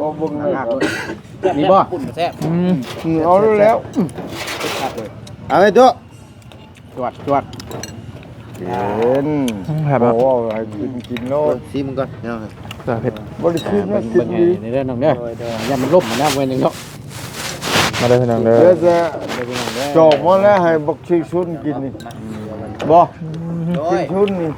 บ่บึงเลยมีบ่แซ่บเอาแล้วเอาไปตัวจวดเห็นครับโอ้ให้กินโลดซีมึงก่อนเนาะตัวเผ็ดบ่ได้กินนะกิเบิ่นงดีในเรื่องน้องเด้ออย่ามันล่มมันนะเว้ยนึงเนาะมาเลยพี่น้องเด้อเดี๋ยวจะจอกมาแล้วให้บักชิชุนกินนี่บ่โดชิยชุนนี่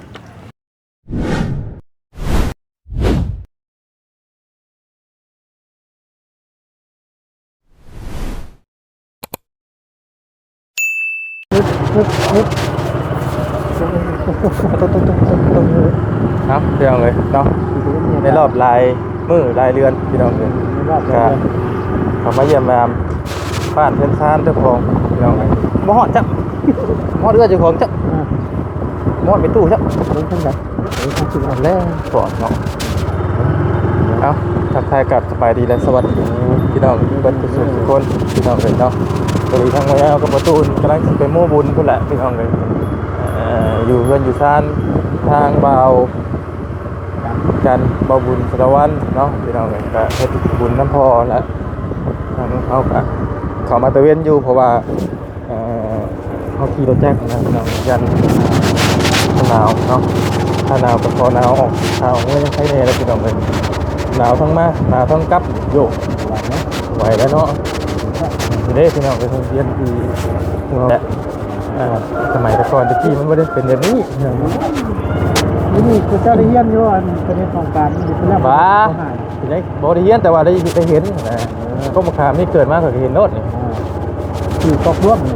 ครับพี่น้องเลยเนาะในรอบลายมือลายเรือนพี่น้องเลยครับเขามาเยี่ยมมาบ้านเพื่อนซ่านเจ้าของพี่น้องเลยมอดจับมอดเรือเจ้าของจับมอดไปตู้จับลงทั้งไหนเอาแล้วปอดเนาะเอาทักทายกับสบายดีและสวัสดีพี่น้องเพื่อนทุกคนพี่น้องเลยเนาะสวัสดีทางวัยเอากับประตูกำลังไปโม่บุญพุ่นแหละพี่น้องเลยอยู่เพื่อนอยู่ซ่านทางเบากันเบาบุญสารวัตรเนาะพี่น้องเลยก็เฮ็ดบุญน้ำพอแล้วทางเขาก็เขามาตะเวนอยู่เพราะว่าเขาขี่รถแจ็คนะพี่น้องยันหนาวเนาะถ้าหนาวก็พอหนาวออกหนาวไม่ยังใช้แน่แล้วพี่น้องเลยหนาวทั้งมาหนาวทั้งกลับโยกไหวแล้วเนาะเด้พี่น้องไปท่องเที่ยวที่และสมัยแต่ก่อนตะกี้มันไม่ได้เป็นแบบนี้นี่คือเจ้าได้เยี่ยมอยู่อันประเทศของการอยู่เป็นแล้วบ้าเป็นไงบริเวณแต่ว่าได้เห็นนะก็มาขามนี่เกิดมาก็เห็นโน้ตนี่อยู่ครอบครัวนี่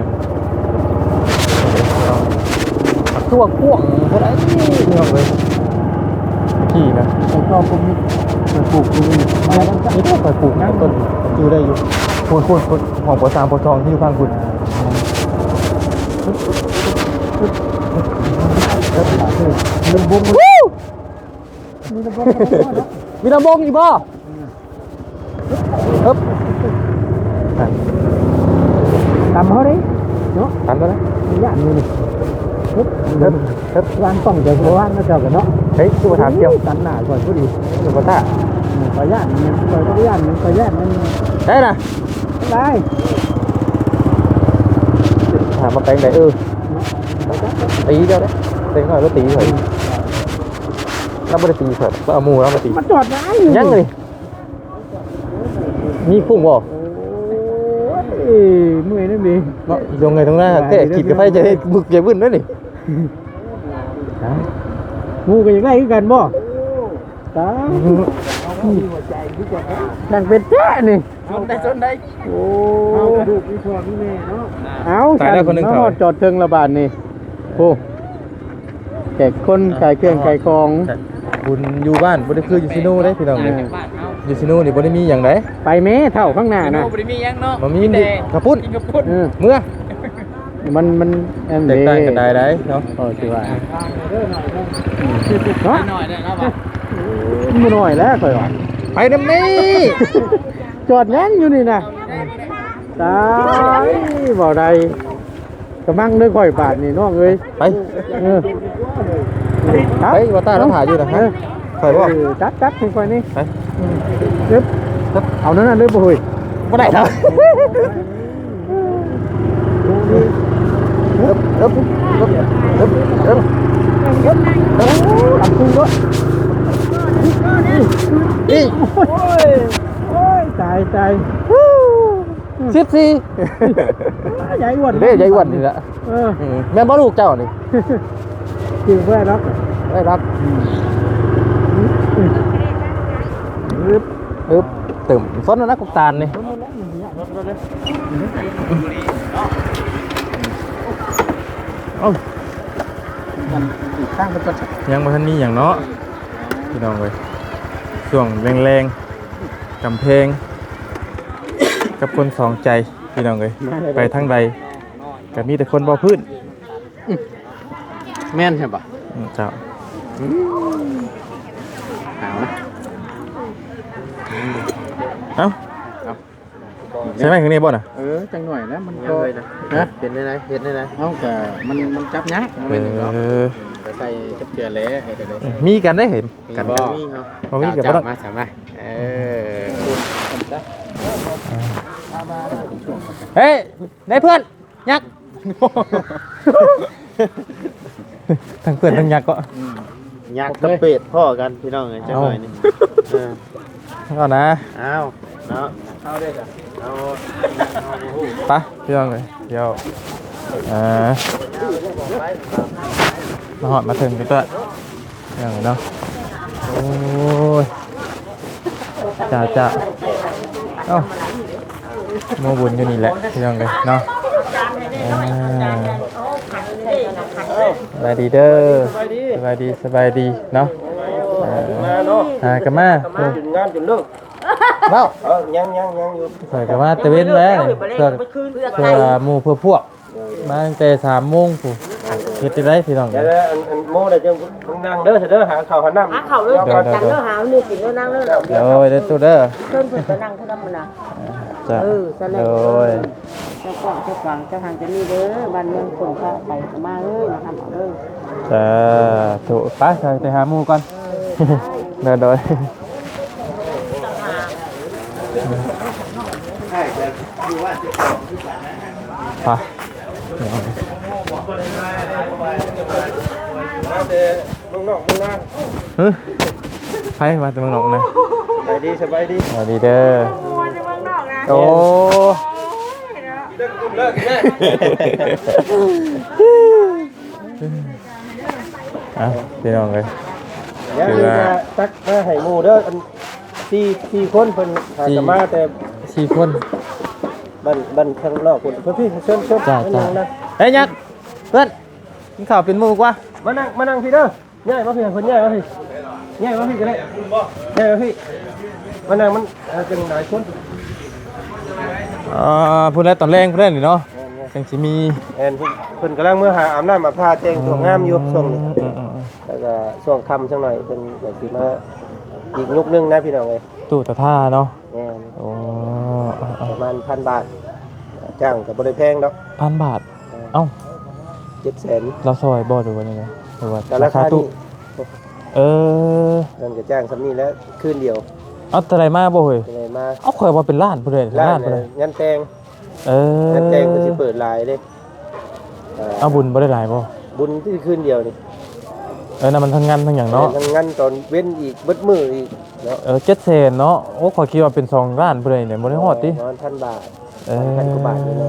ตัวพ่วงเท่าไรนี่เอาเลยขี่นะไอ้ครอบครัวนี้ปลูกอยู่นี่นี่ต้องไปปลูกนะต้นอยู่ได้อยู่คุณของปอสามปอทองที่อยู่ข้างคุณลำบงมีลำบงมีลำบงอีกบ่ฮึบตามเขาดิเนาะตันตัวนะย่านนี่ฮึบวางต้องเดี๋ยวเขาว่างแล้วเจ้ากันเนาะเฮ้ยตัวถามเกี่ยวตันหน้าก่อนผู้ดีตัวปต้าขอย่านนี่ขอย่านมันขอย่านมันได้นะได้ถามมาแปลงไหนตีเดียวได้เต็งหน่อยก็ตีเถอะเราไม่ได้ตีเถอะเราเอามูเรามาตีมาจอดได้ยังเลยมีพุ่งบ่เมื่อยนั่นดีเนาะลงไงตรงหน้าแค่ขีดกับไฟจะให้บึกใหญ่บึ้นด้วยนี่งูกันยังไงกันบ่ตาดังเป็นแจ้นี่ชนได้โอ้ดูพี่พ่อพี่แม่เนาะเอาตายแล้วคนนึงเขาจอดเทิงระบาดนี่โอ้แขกคนขายเครื่องขายของบุญอยู่บ้านบ่ได้คืออยู่ซิโน่ได้พี่น้องเลยอยู่ซิโน่นี่บ่ได้มีอย่างไรไปแม่เท่าข้างหน้านะบ่ได้มีหยังเนาะมันมีกระปุ้น เมื่อมันแอมแตกต่างกันได้เนาะโอ้สิว่าเนาะหน่อยได้แล้วป่ะมือหน่อยแล้วค่อยว่าไปน้ำนี่จอดแน่นอยู่นี่นะตายบ่ได้กำลังนึกค่อยบาทนี่น้องเอ้ยไปครับไปว่าตาเราถ่ายอยู่นะฮะถ่ายบ่จัดค่อยนี่ไปปึ๊บเอานั่นน่ะเลยบ่เฮ้ยบ่ได้ครับอึ๊บลำพุงด้วยนี่โอ้ยตาย14ใหญ่อ้วนเด้ใหญ่อ้วนนี่แหละแม่บ่ลูกเจ้านี่กินเพื่อนรักได้รักตึมซ้นนะกุกตาลนี่ข้างไปก่อนยังบ่ทันมีอย่างเนาะพี่น้องเว้ยช่วงแรงๆกำแพงกับคนสองใจพี่น้องเว้ยไปทางใดก็มีแต่คนบ่พื้นแม่นใช่ปะเจ้าเอาใช่ไหมข้างนี้บ่น่ะจังหน่อยนะมันยัก็งเลยนะนะเป็นได้ไหนเฮ็ดได้ไหนเอาแต่มันจับยักษ์เออไปใส่จับเกลือเลยให้กันเลยมีกันได้เห็นกันบ่บ่มีกับบ่ต้องมาสามารถเฮ้ยได้เพื่อนยักษ์ ทั้งเพื่อนทั้งยักษ์ก็ยักษ์กับเป็ดพ่อกันพี่น้องจังหน่อยนี่เอานะเอาเนาะเอาได้จ้ะเอาไปพี่น้องเลยเดี๋ยวมาหอดมาถึงกันตัวอย่างเนาะโอ้ยจ้าเอ้าโมบุญอยู่นี่แหละพี่น้องเลยเนาะสบายดีเด้อสบายดีเนาะกันมาถึงงานจนเลิกเล่ายังอยู่ใส่กันมาตะเวนแล้วเพื่อหมู่เพื่อพวกมาตั้งแต่3 โมงผู้เฮ็ดได้พี่น้องเดี๋ยวอันโม่ได้จังนั่งเด้อเด้อหาข้าวหาน้ำหาเขาเลยจังเด้อหานี่กินแล้วนั่งเลยเดี๋ยวเด้อตู้เด้อเพิ่นเพิ่นก็นั่งเท่านั้นน่ะจ้ะซะแล้โดวย เจ้าของเจ้าฟังเจ้าทางจะนี่เด้อบ้านเมืองคนเข้าไปมาเอ้ยนะครับเอาเด้อจ้ะถูกไปหาหมู่ก่อนเด้อโดยไปมึงนอกมึงนั่งไปมาตรงนอกนะสบายดีสวัสดีเด้อโอ้อ่ะพี่น้องเลยยังมีตักมาให้หมู่เด้ออันสี่คนเพิ่นหากันมาแต่ 4 คนบ้านข้างนอกคนเพิ่นพี่เชิญจ้าเฮ้ยยักษ์เพื่อนกินข้าวเป็นหมู่กว่ามานั่งพี่เด้อง่ายมาพี่เพิ่นง่ายมาพี่ง่ายมาพี่ก็ได้ง่ายมาพี่มานั่งมันเป็นหลายคนพูดแล้วตอนแรงพูดได้หนิเนาะจังสิมีแอนเพิ่นกำลังเมื่อหาอาบน้ำมาพาแจ้งตัวงามอยู่ช่วงนี้แล้วก็ช่วงค่ำจังหน่อยเพิ่นก็สิมาอีกยุคนึงนะพี่น้องเอ้ยตู้ตะท่าเนาะแม่นโอ้ประมาณ1,000 บาทจ้างก็บ่ได้แพงดอก 1,000 บาทเอ้า 700,000 เราซอยบ่หรือว่ายังไงหรือว่าแต่ราราคาคาตู้นี้เนั่นก็จ้างสำนี้แล้วคืนเดียวเอาเท่าไหร่มาบ่เฮ้ยเป็นไงมาเอาข่อยว่าเป็นล้านพุ่นเลยร้าล้าน นพุ่นเลยงานแต่งเอองานแต่งก็สิเปิดหลายเด้เอาบุญบ่ได้หลายบ่บุญที่คืนเดียวนี่นั่นมันทั้งงานทั้งหยังเนาะทั้งงานตอนเว้นอีกเบิดมื้ออีกเนาะ 700,000เนาะโอ้ข่อยคิดว่าเป็น2 ล้านพุ่นเลยเนี่ยบ่ได้ฮอดติ 1,000 บาท 1,000 กว่าบาทนี่เลย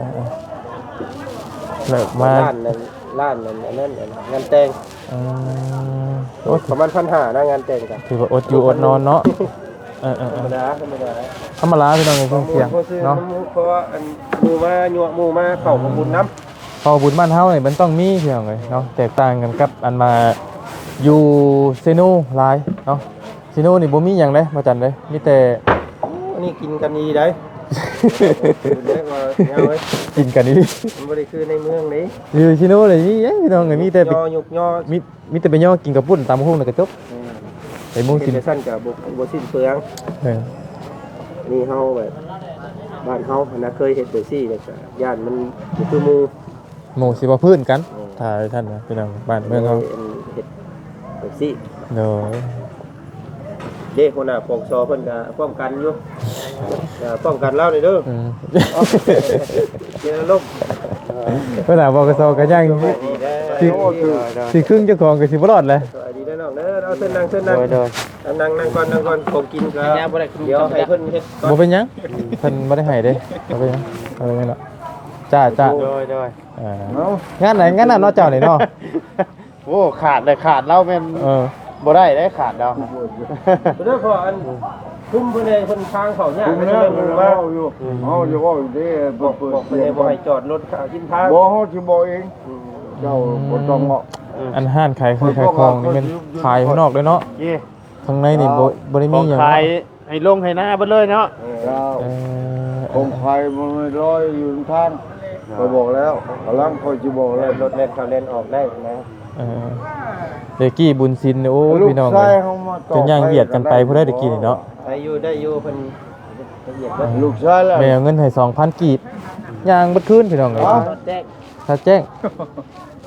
เลิกมาล้านนั้นอันนั้นงานแต่งโอ้ประมาณ1,500นะงานแต่งกันถือว่าอดอยู่อดนอนเนาะธรรมดาธรรมดาพี่น้องเครื่องเสียงเนาะเพราะว่าอันหมู่มายั่วหมู่มาเข้าของบุญน้ำพอบุญบ้านเฮาเนี่ยมันต้องมีพี่น้องเลยเนาะแตกต่างกันกับอันมาอยู่เซโนหลายเนาะเซโนนี่บ่มีหยังเลยมาจันเลยมีแต่อันนี้กินกันดีได้เรียกว่าเงาเว้ยกินกันนี่มันบ่ได้คือในเมืองนี้อยู่เซโนเลยนี่ยังพี่น้องเลยมีแต่ไปย่อยุกย่อมีแต่ไปย่อกินกับปุ้นตามห้องแล้วก็จบไปมุ่งกิกินนแต่สั้นกับบ่สิ้นเปลืองเออนี่เฮาแบบบ้านเฮานะเคยเฮ็ดแบบซี่แบบย่านมันบ่คือหมู่หมู่สิว่าพื้นกันถ้าท่านนะพี่น้องบ้านเมืองเฮาเฮ็ดแบบซี่เนาะเด้คนน่ะปกซอเพิ่นก็ป้องกันอยู่ป้องกันเรานี่เด้ออืมเจอลมเวลาบอกกระซอกันย่างดีได้สิครึ่งเจ้าของก็สิบ่รอดเลยสวัสดีได้น้องเด้อเอาเส้นนั่งนั่งก่อนของกินก็เดี๋ยวให้เพิ่นเฮ็ดก่อนบ่เป็นหยังเพิ่นบ่ได้ให้เด้บ่เป็นหยังเอาไว้เนาะจ้าๆงานไหนงานนั้นเนาะเจ้านี่เนาะโอ้ขาดเราแม่น บ่ได้ขาดดาวเด้อพออันคุ้มเพิ่นให้เพิ่นทางเขาเนี่ยผมไม่แล้ใช่วเพิ่นเฮาว่าอยู่เฮาอยู่ว่าอยู่ดีบ่บอกเปิดเพิ่นให้บ่ให้จอดรถกินทางบ่เฮาสิบอกเองเจ้าบ่ต้องเงาะอันห้านขายคือขายของนี่มันขายข้างนอกเลยเนาะเย่ข้างในนี่บ่ได้มีหยังขายให้ลงให้หน้าเบิดเลยเนาะเจ้าเออคงไฟมันไม่ร้อยอยู่ทางก็บอกแล้วกำลังคอยสิบอกแล้วรถเล่นเขาเล่นออกได้นะเดกี้บุญซินโอ้พี่น้องลูกชายเฮามาต่อจะย่างเหยียดกันไปผู้ใดได้กินนี่เนาะได้อยู่เพิ่นละเอียดเบิดลูกชายแล้วแม่เอาเงินให้ 2,000 กีบย่างเบิดคืนพี่น้องเอ้ยแจ้งถ้าแจ้ง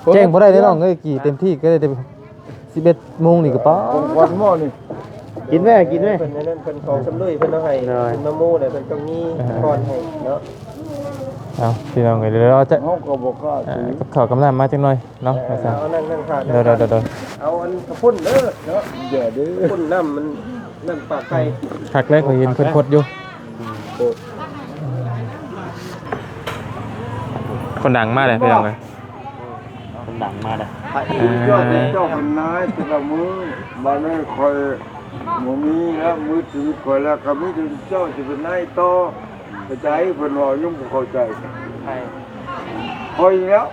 แจ้งบ่ได้เด้น้องเอ้ยกี่เต็มที่ก็ได้แต่11 โมงนี่ก็ป้าผมควันหม้อนี่กินแม่กินแม่เพิ่นนั่นเพิ่นของสำลุยเพิ่นเอาให้กินมะม่วงเนี่ยเพิ่นต้องมีก่อนให้เนาะเอาพี่น้องเอ้ยเดี๋ยวเราจะเฮาก็บ่กล้าซื้อกับข้าวกำลังมาจังหน่อยเนาะว่าซั่นเอานั่งขาดเดี๋ยวเอาอันกระพุ่นเด้อเนาะอย่าดื้อพุ่นน้ำมันน้ำปลาไก่คักแรกก็เห็นเพิ่นพดอยู่คนดังมากเลยพี่น้องเอ้ยคนดังมาเลยเจ้าเป็นนายแต่ละมือบ้านนี้คอยบ่มีแล้วมือถือคอยแล้วก็มีถึงเจ้าสิเป็นนายต่อเข้าใจเพิ่นว่ายังบ่เข้าใจไก่คอยแล้ว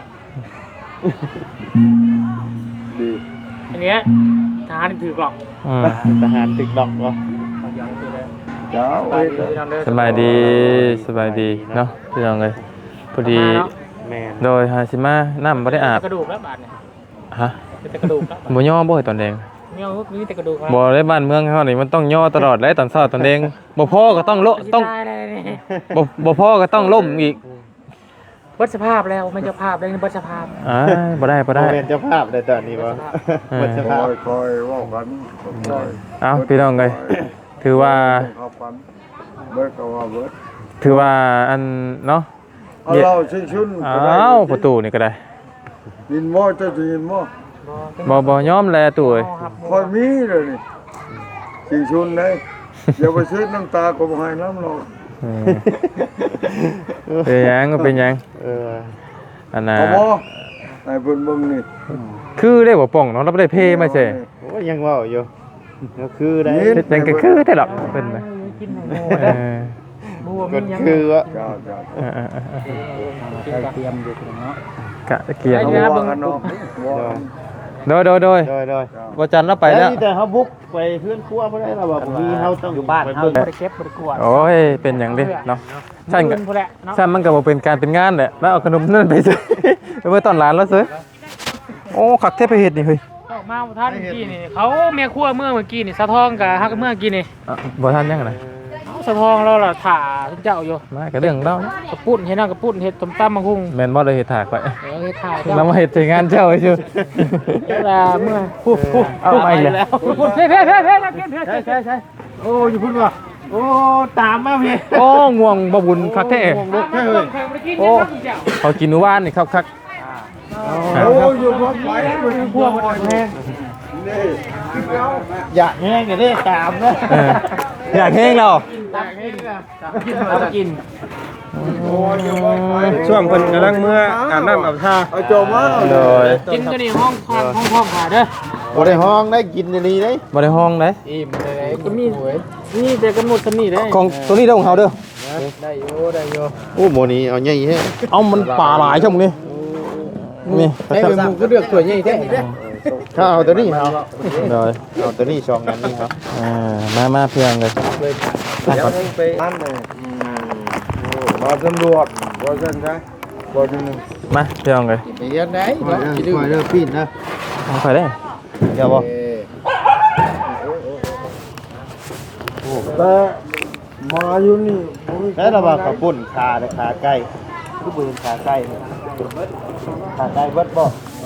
ดีอันเนี้ยทหารถือกหรอกทหารตึกดอกเหรอเจ้าเอ้ยสบายดีเนาะพี่น้องเอ้ยพอดีแม่นโดยหาสิมาน้ำบ่ได้อาบกระดูกแล้วบาดเนี่ยฮะเป็นแต่กระดูกแล้วบ่ย่อบ่ให้ตอนแดงมีแต่กระดูกครับบ่ได้บ้านเมืองเฮานี่มันต้องย่อตลอดเลยตอนเช้าตอนแดงบ่พอก็ต้องต้องตายเลยนี่บ่พอก็ต้องล่มอีกเบิดสภาพแล้วไม่เจ้าภาพเลยเบิดสภาพบ่ได้โมเมนต์เจ้าภาพในตอนนี้บ่เออเจ้าคภาพอยคอยเว่ากันคอยเอ้าพี่น้องเอ้ยถือว่าเข้ากันเบิดก็ว่าเบิดถือว่าอันเนาะเอาเราชุ่นๆก็ได้อ้าวประตูนี่ก็ได้ยินหม้อเจ้าจะยินหม้อบ่ยอมแลตู้เอ้ยคอยมีเลยนี่ชิงชุนเลยอย่าไปซื้อน้ำตาก็บ่ให้น้ำเราเออเป็นหยังก็เป็นหยังเอออันน่ะเอาบ่ให้เพิ่นเบิ่งนี่คือได้บ่ป่องเนาะเราบ่ได้เพมาใช่โอ้ยังเว้าอยู่ก็คือได้เฮ็ดหยังก็คือได้หรอกเพิ่นน่ะกินหมูเอได้อหมูก็มียังคือว่าจ้าจ้าเออกินเตรียมอยู่เนาะกะเกียร์เอาดี๋ยวนะว่ากันเนาะว่ากันโดยโดยบ่จันเราไปแล้วแต่เฮาบุกไปเพื่อนครัวบ่ได้เราบอกมีเฮาต้องอยู่บ้านเฮาบ่ได้เก็บบ่ได้กวาดโอ้ยเป็นหยังเด้เนาะฉันก็พุ่นแหละเนาะฉันมันก็บ่เป็นการเป็นงานแหละแล้วเอาขนมนั่นไปซื้อ ไปเมื่อตอนร้านแล้วซื้อโอ้คักแท้ไปเฮ็ดนี่เฮ้ยออกมาท่านเมื่อกี้นี่เขาเมียครัวเมื่อกี้นี่สะทองกับฮักเมื่อกี้นี่บ่ทันยังไงสะทองเราล่ะถ่าทุกเจ้าอยู่มาก็เรื่องเรากระปุ้นเฮ็ดกระปุ้นเฮ็ดต้มตำมังคุงแม่นบ่เลยเฮ็ดถากไปเฮ็ดถ่าเรามาเฮ็ดใช้งานเจ้าไว้ซื่อเวลาเมื่อเอาไปแล้วเพ่กินเพ่ใช่โอ้อยู่พุ่นว่ะโอ้ตามมาพี่โอ้ง่วงบ่บุญคักแท้ลุกแค่เลยโอ้เขากินมื้อวานนี่คักโอ้อยู่พร้อมไปมันพวกมันแพงนี่อยากแห้งก็ได้ตามนะเอออยากแห้งแล้วกินช่วงเพิ่นกำลังเมื่ออาบน้ำอาบท่าเอาโจมาเอาโดยกินตัวนี้ห้องขาเด้อบ่ได้ห้องได้กินในนี้ได้บ่ได้ห้องเด้ก็มีนี่แต่กำหนดสนี่ได้ของตัวนี้เด้อของเฮาเด้อได้อยู่โอ้หมอนี้เอาใหญ่แฮะเอามันป่าหลายช่วงนี้นี่ให้เป็นมุมก็เลือกตัวใหญ่แท้ถ้าเอาตัวนี้เอาโดยเอาตัวนี้2อันนี้ครับมาเพียงเลยเดี๋ยวไปนั่นเลยมาตำรวจบ่ซั่นใช่บ่นึงมาเพียงเลยไปเรียนได้บ่สิดื้อเด้อปีนนะเอาไปได้เดี๋ยวบ่แต่มาอยู่นี่แล้วเราว่าข้าวปุ้นขาและขาไก่คือบ่เห็นขาไก่ขาไก่เบิดบ่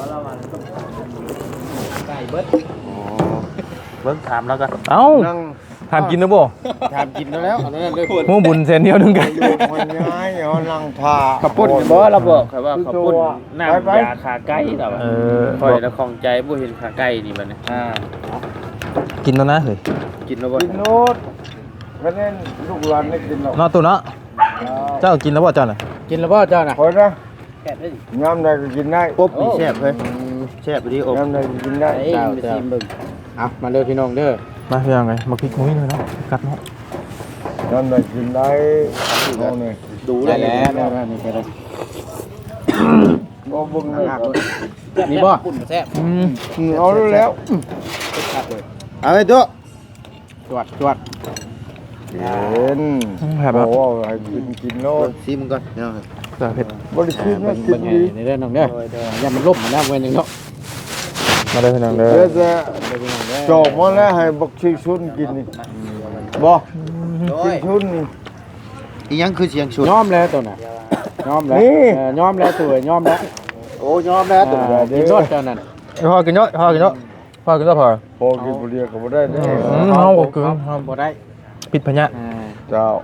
เบิ่งถามแล้วกันเอ้านั่งถามกินนะบ่ถามกินแล้วอันนั้นเลยหมูบุญเส้นเดียวนึงกันอยู่คนย้ายเอานั่งท่าข้าวปุ้นบ่เราบอกครับว่าข้าวปุ้นน้ำยาขาไก่เราเออค่อยแล้วของใจบ่เห็นขาไก่นี่บัดนี้กินแล้วนะเฮ้ยกินแล้วบ่กินโนดคะแนนลูกหลานได้กินหรอกนอตัวเนาะเจ้ากินแล้วบ่เจ้าน่ะกินแล้วบ่เจ้าน่ะคอยนะยามใดก็กินได้ปุ๊บนี่แซ่บเลยแซ่บดีอบยามใดก็กินได้เจ้าชิมเบิ่งเอามาเด้อพี่น้องเด้อมาเพียงไงมาพริกมุ้ยเลยเนาะกัดเนาะยามใดกินได้เอาเนี่ยดูได้แล้วนี่แค่นั้นบ่เบิ่งเลยนี่บ่เอาแล้วเอาไปตัวจวดเห็นแบบโอ้ให้กินโนดชิมก่อนเนาะแบบเผ็ดบ่ได้กินนะกินดีนี่เด้อน้องเด้ออย่ามันล่มมันนะเว้นนึงเนาะมาเลยพี่น้องเด้อเดี๋ยวจะจบมาแล้วให้บักชิชุนกินนี่บ่ชิชุนนี่อีหยังคือเสียงสุดยอมแล้วตัวน่ะยอมแล้วยอมแล้วตัวยอมแล้วโอ้ยอมแล้วตัวกินรสเจ้านั่นพอกินเยอะพอกินเยอะพอกินเยอะพอพอกินบุหรี่ก็บ่ได้เด้เอาบ่กินบ่ได้ปิดพญะเจ้า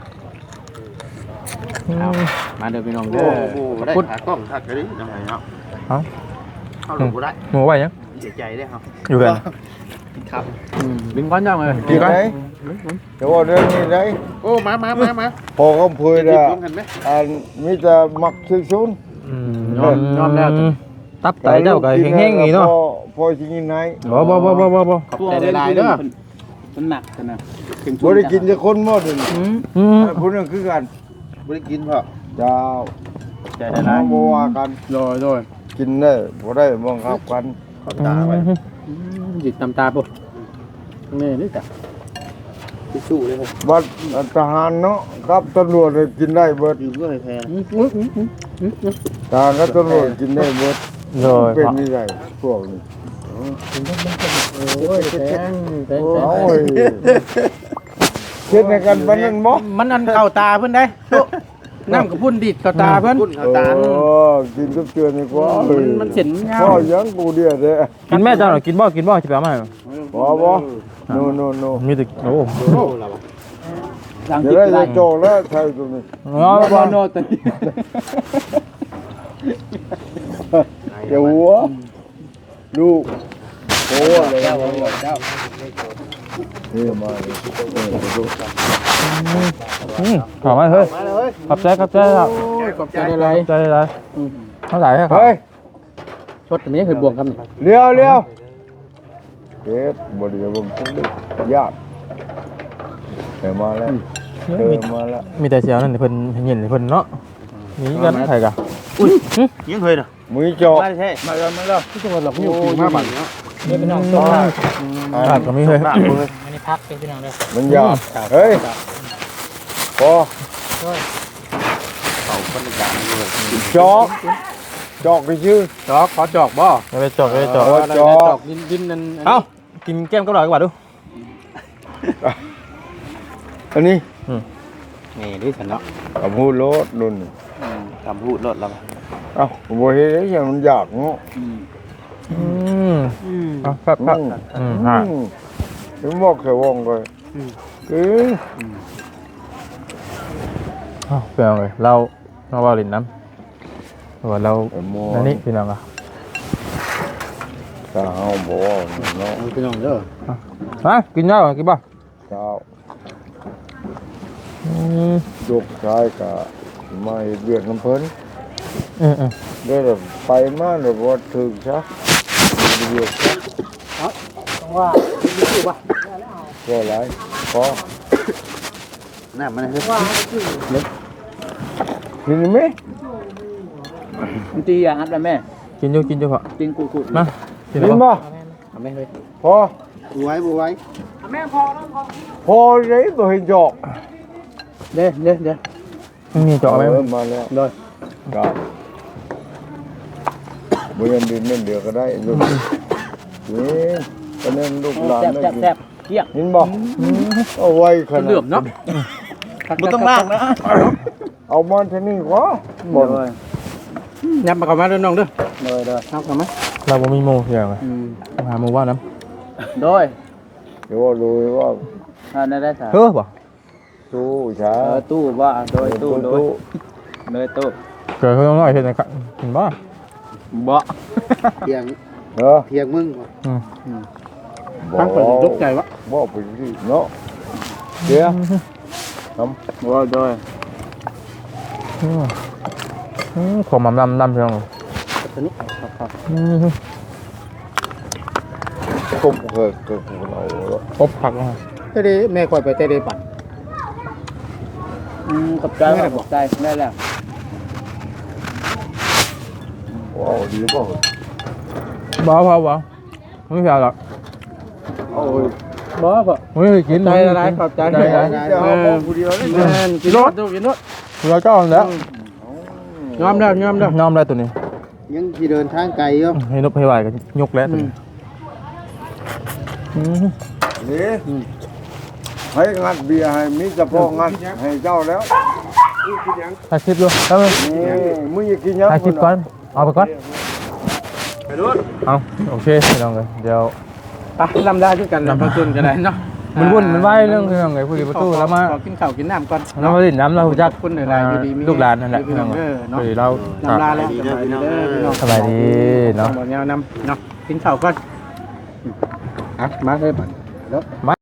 มาเด้อพี่น้องเด้อพุดกล้องทักกันดิจังไงเนาะเอาเข้าลงบ่ได้หมูไว้ยังเสียใจเด้ครับอยู่กันครับดึงก้อนย่องเลยกินไหนเดี๋ยวว่าเรื่องนี้ได้โอ้มาพอก็พูดอ่ะอันมีแต่มักซื้อซุนยอมแล้วตับไตเจ้าก็แห้งๆนี่เนาะพอสิกินไหนบ่ขอบใจหลายๆเด้อมันหนักกันนะบ่ได้กินจะคนหมดเลยๆพูดนั่นคือกันบ่ได้กินพ่อเจ้าใจหลายบ่ว่ากันๆโดยกินได้บ่ได้บังคับกันขอบตาไว้หยิบตำตาปุ๊นี่นี่จ้ะทิชชู่เลยครับบัดทหารเนาะกับตำรวจกินได้เบิดอยู่เพื่อให้แพ้ทหารกับตำรวจกินได้เบิดโดยเป็นนี่ได้พวกนี้โอ้ยแพงโอ้ยเฮ็ดให้กันปานนั้นบ่มันอันเข้าตาเพิ่นได้น้ำกับพุ่นดิดเข้าตาเพิ่นเข้าตากินกับเตือนดีกว่ามันเสียนยาพ่อวยังกูเดียวเด้กินแม่เจ้าหน่อยกินบ่สิไปเอามาให้บ่โนมีแต่โอ้จะได้จะโจแล้วใช่ตรงนี้บอลโนตันเดี๋ยวหัวลูกโอ้เลยนี่มาเลยดูขอมาเฮ้ยขอบใจครับขอบใจอะไรใจอะไรเท่าไหร่ครับเฮ้ยชดนี้เคยบวกกันเลี้ยวเฮ็ดบ่ได้บ่ยากมาแล้วมาแล้วมีแต่เสียวนั่นเพิ่นเห็นเพิ่นเนาะมีกันไผกะยังเคยนะมือจอกมาใช่มาแล้วที่จังหวัดหลอกอยู่ปี5 บาทเนาะเดี๋ยวพี่น้องส่งมาขาดก็มีเฮ้ยอันนี้พักเป็นพี่น้องเลยมันยากเฮ้ยพอจอกไปชื่อจอกขอจอกบ่ไปจอกจอกดินนั่นเอ้ากินแก้มกับหน่อยกว่าดูอันนี้นี่ดิฉันเนาะกับพูดรถนุ่นทำพูดรถแล้วเอ้าบ่เฮ็ดอย่างมันยากเนาะครับฮะถึงบอกแค่วงก็คือเปล่าเลยเราว่าลิ้นน้ำว่าเราอันนี้พี่น้องอ่ะถ้าเฮาบ่เนาะพี่น้องเด้อฮะกินยากินบ่เจ้าจกชายก็มาเฮ็ดเวียกน้ำเพิ่นได้ไปมาแล้วบ่ถึงซะเวียกซะต้องว่าดูว่าก็หลายพอน้ามันเฮ้ยว่ากินมั้ยตีอ่ะอัดแล้วแม่กินอยู่พอกินกูๆนะกินกินบ่แม่เฮ้ยพอบ่ไว้พอเลยบ่เห็นจอกเด้มีเจาะไหมมาแล้วเลยครับบ่ยันดินนั่นเดียวก็ได้ลูกนี่ตอนนั้นลูกหลานได้กินเกี้ยงยินบ่เอาไว้ขนาดเหลื่อมเนาะบ่ต้องลากนะเอามันเท่านี้กว่าบ่เลยยับมาเข้ามาเด้อน้องเด้อเลยเข้ามาเราบ่มีโมอย่างไรหาโมว่าน้โดยเดี๋ยวว่ารู้ว่าได้ค่ะำเฮ้อบ่ตู้ช้าตู้ว่าโดยตู้เลยตู้เกิดเขาต้องน้อยเห็นนะครับเห็นบ่บ่เพียงเพียงมึงตั้งเปิดยกใจวะบ่ไปสิเนาะเดี๋ยวทำบ่โดยขอมำลำเพียงตัวนี้ครับคมเคยเราอบผักนะเตะแม่คอยไปเตะปัดกับใจกับใจได้แล้วว้าวดีบ่บ่ไม่เพียหรอกโอ้ยบ่บ่ไม่กินใจอะไรขอบใจเดี๋ยวเอาผู้เดียวเลยกินรถดูกินรถเราก็แล้วยอมแล้วน้อมได้ตัวนี้ยังที่เดินทางไกลอยู่ให้นบให้ไหวกันยกแล้วตัวนี้นี่ให้งัดเบียร์ให้มีเฉพาะงัดให้เจ้าแล้วถ่ายคลิปดูแล้วนี่มึงอยากกินยังถ่ายคลิปก่อนเอาไปก่อนเอาโอเคพี่น้องเลยเดี๋ยวไปลำได้ด้วยกันลำต้นกันได้เนาะมันวุ่นมันไหวเรื่องพี่น้องเลยผู้ดีประตูแล้วมาขอกินข้าวกินน้ำก่อนเรามาดินน้ำเราจักคุณหลายๆดีๆลูกหลานนั่นแหละพี่น้องเด้อเนาะคือเราลำลาแล้วสบายดีเด้อพี่น้องสบายดีเนาะบ่แนวนำเนาะกินข้าวก่อนอ่ะมาเลยบัดเนาะ